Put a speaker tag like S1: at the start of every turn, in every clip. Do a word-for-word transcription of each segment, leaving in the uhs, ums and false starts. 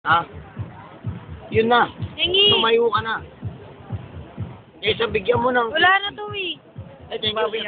S1: Ah, yun na.
S2: Hingi.
S1: Tumayo ka na. Kaysa bigyan mo ng...
S2: Wala na to eh.
S1: Ay, thank you.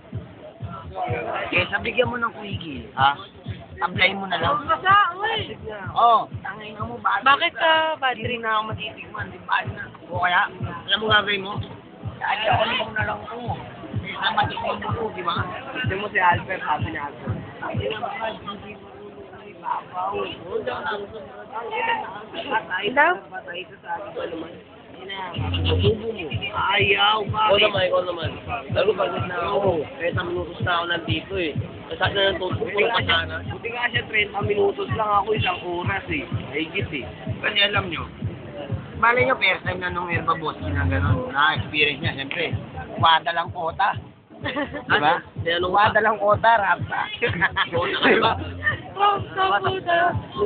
S1: Kaysa bigyan mo ng quickie, ha? Tablay mo na lang.
S2: Basa, uy.
S1: Oo, oh, tangin na mo. Bakit,
S2: Bakit ka, bad
S1: Hindi
S2: trip?
S1: na ako matitigman. Di ba na? O kaya, alam mo gagawin mo? Kaya ako mo na lang ko. Kaysa matikman mo ko, di ba? Gusto mo si Albert, sabi ni Albert. Hindi na mga hindi mo ibabaw. Hold on lang.
S2: Ilaw?
S1: Patay ka sa akin pa naman. Masubo mo. Ayaw, bakit?
S3: Ikaw naman, ikaw naman. Lalo pagod na ako. Kaya sa minutos na ako nandito eh. Kasi na nang tutulog pa sana.
S1: Buti nga siya, thirty minutos lang ako, isang oras eh. Higit eh. Kasi alam nyo, malay nyo, first time na nung Herba Boss, na gano'n, na-experience niya, siyempre, wada lang kota. Diba? Wada lang kota, rapta. Diba?
S2: Oh, sa puta.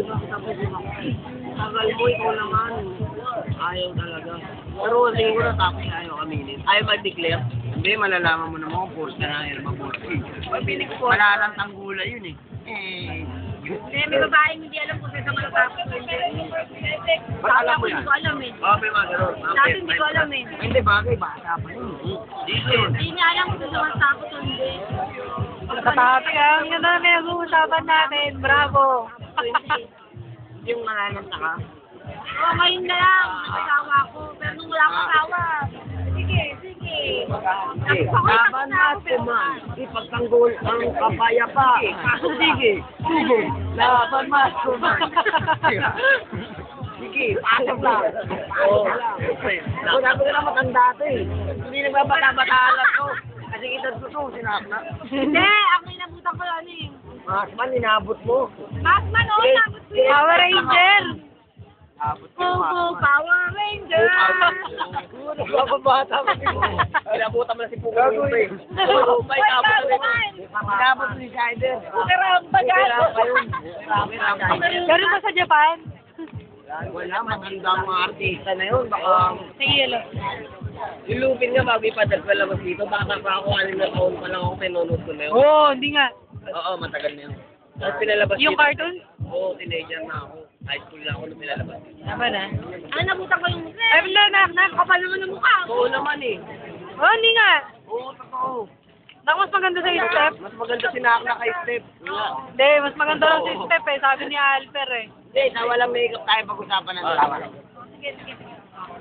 S1: Tagal mo, ikaw naman. Ayaw talaga. Pero tingin ko na tapos ayaw aminin.
S3: Ayaw mag-declare.
S1: Hindi, malalaman mo naman kung force ka na Herba Boss. Malalantang gula yun eh. Eh,
S2: Eh, may babaeng hindi alam kung saan malatapos.
S1: ba't alam mo
S2: Ako
S1: yan?
S2: hindi ko alam eh.
S3: Oo, may mga ganun.
S2: Dati hindi ko alam eh.
S1: Hindi, bagay, bata pa yun.
S3: Dito yun.
S2: Hindi niya alam kung saan malatapos o hindi.
S4: Katapos ah, ang ganda na pinag-uusapan natin. Bravo!
S1: Yung nanananta ka.
S2: Oo, ngayon na lang. Nag-asawa ko. Pero nung wala akong asawa. Sige, sige.
S1: Eh, laban natin man. Ipagtanggol ang kapayapaan. Sige, sige. Laban natin man. Sige, pasok lang. Pasok lang. Ako sabi ko na matanda ito eh. Hindi nagbabata-bataan lang to. Kasi edad ko to, sinakna.
S2: Hindi, ang inabutan ko ano eh.
S1: Mas man, inabot mo.
S2: Batman, oo, inabot ko yun.
S4: Power Ranger!
S1: Abot ko
S2: Go,
S1: yung
S2: go,
S1: Mas.
S2: Power Ranger!
S1: Nagpapabata mo si mo.
S3: Pinabutan mo na si Pugo.
S1: Gagawin.
S3: Oo, may
S2: Wait,
S3: tapos na rin.
S2: Batman!
S1: Inabot ni Shider.
S2: Karamba, gago.
S4: Ganun ba sa Japan?
S1: Wala, magandang mga artista na yun. Baka,
S4: Sige, lo.
S3: Yung Lupin nga, bago ipadal pa labas dito, baka pa ako, anim na taon pa lang ako, pinunod ko na yun.
S4: Oo, oh, hindi nga.
S3: Oo, matagal na yun. Tapos pinalabas
S4: Yung
S3: dito.
S4: cartoon?
S3: Oo, teenager na ako. High school na ako nung pinalabas dito.
S4: Tama na.
S2: Ano, nabutan ko yung...
S4: Ay, wala na, na.
S2: Kapal naman ng mukha.
S3: Oo naman eh.
S4: Oo, oh, hindi nga.
S1: oo, totoo.
S4: Naku, mas maganda sa step.
S1: Mas maganda sinakna kay Steph.
S4: Hindi, mas maganda lang sa step eh. Sabi ni Alper eh.
S1: Hindi, sa walang makeup tayo pag-usapan ng drama.
S2: Sige, sige, sige.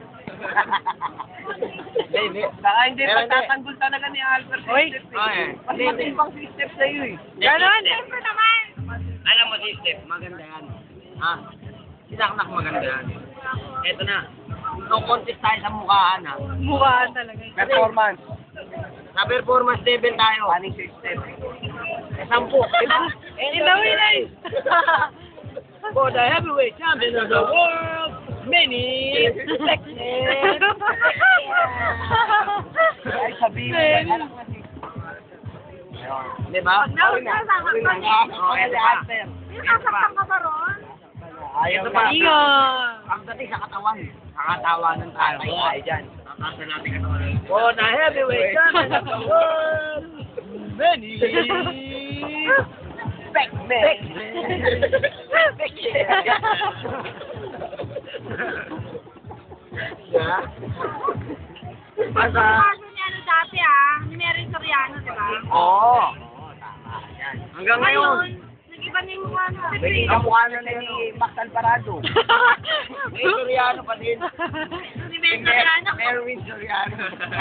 S1: Hindi, hindi.
S3: Baka hindi
S1: Pero hindi.
S3: pagtatanggol talaga ni Albert
S4: Oy.
S3: si Steph
S1: Ay,
S3: eh. Mas
S1: hindi, hindi.
S3: matimbang si Steph sa'yo eh.
S4: Ganon?
S2: Siyempre naman.
S1: Alam mo si Steph, maganda yan. Ha? Sinakna ko maganda yan. Eto na. No contest tayo sa mukhaan ha.
S4: Mukhaan talaga. eh.
S1: Performance. Sa performance level tayo. Aning si Steph. Sampu.
S4: Ilawin na eh.
S1: For the heavyweight champion of the world, many seconds. Ay, sabihin mo,
S4: Men.
S1: anak mo si... Di ba?
S2: Wag na, wag na, sasaktan.
S1: Okay, di ba?
S2: Yung sasaktan ka ba ron?
S1: Ayaw
S3: Ito
S1: pa.
S3: pa.
S4: Ingon.
S1: Pagdating sa katawan, nakatawanan tayo.
S3: Oo.
S1: Ay, dyan.
S3: Kakasa natin katawan.
S1: For the heavyweight champion of the world, many Pac-Man. Yeah. Basta,
S2: Kaso niya ano dati ah, ni Mary Soriano, di ba?
S1: oo. Hanggang ngayon,
S2: nag-iba na yung mukha na.
S1: kamukha na na ni Max Alvarado. May Soriano pa din.
S2: Ni Mary Soriano.
S1: Merwin Soriano.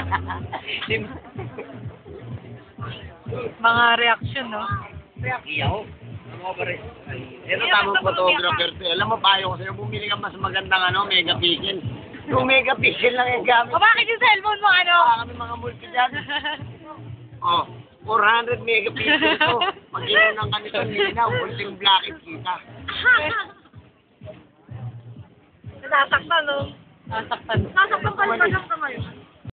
S4: Mga reaction, no?
S1: Iyaw. Ito tamang photographer to. Alam mo, payo ko sa'yo, bumili ka mas magandang ano, megapixel. Yung megapixel lang yung gamit.
S4: O bakit yung cellphone mo, ano?
S1: Ah, kami mga multi dyan. Oh, four hundred megapixel to. Mag-inom ng ganito, linaw, ulting blackit kita.
S2: Nasasaktan, no?
S4: Nasaktan.
S2: Nasasaktan ka ba lang ka ngayon?